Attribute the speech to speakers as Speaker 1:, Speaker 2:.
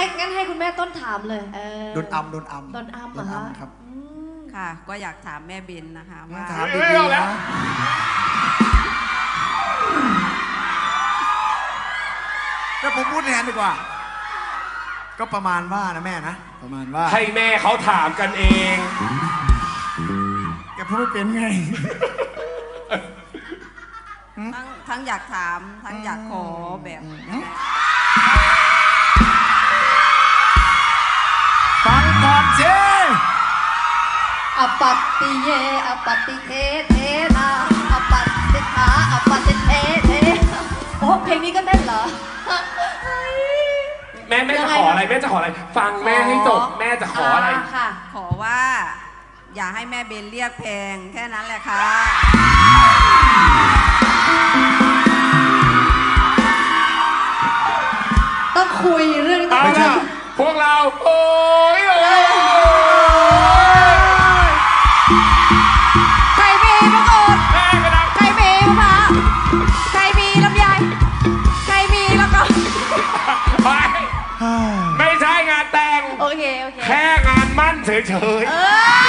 Speaker 1: งั้นให้คุณแม่ต้นถามเลย
Speaker 2: โดนอัมเหรอครับ
Speaker 3: ค่ะก็อยากถามแม่เบนนะคะว่า
Speaker 2: ถามดีๆนะก็ผมพูดแทนดีกว่าก็ประมาณว่านะแม่นะประมาณว่า
Speaker 4: ให้แม่เขาถามกันเอง
Speaker 2: แกพูดไม่เป็นไง
Speaker 3: ทั้งอยากถามทั้งอยากขอแบบ
Speaker 2: ฟังก่อนเจ
Speaker 1: อปัตติเยอปัตติเทเทนาอปัตติขาอปัตติเทเทโอ้เพลงนี้ก็เต้นเหรอ
Speaker 4: แม่จะขออะไรแม่จะขออะไรฟังแม่ให้จบแม่จะขออะไร
Speaker 1: ค่ะ
Speaker 3: ขอว่าอย่าให้แม่เบนเรียกแพงแค่นั้นแหละค่ะ
Speaker 1: ต้องคุยเรื่อง
Speaker 4: นี้พวกเราโอ้ย
Speaker 1: ใครมีมะกรูดใครมีมะพร้าวใครมีลำไยใครมีแล้วก็
Speaker 4: ไม่ใช่งานแต่ง
Speaker 1: โอเค
Speaker 4: แค่งานมั่นเฉย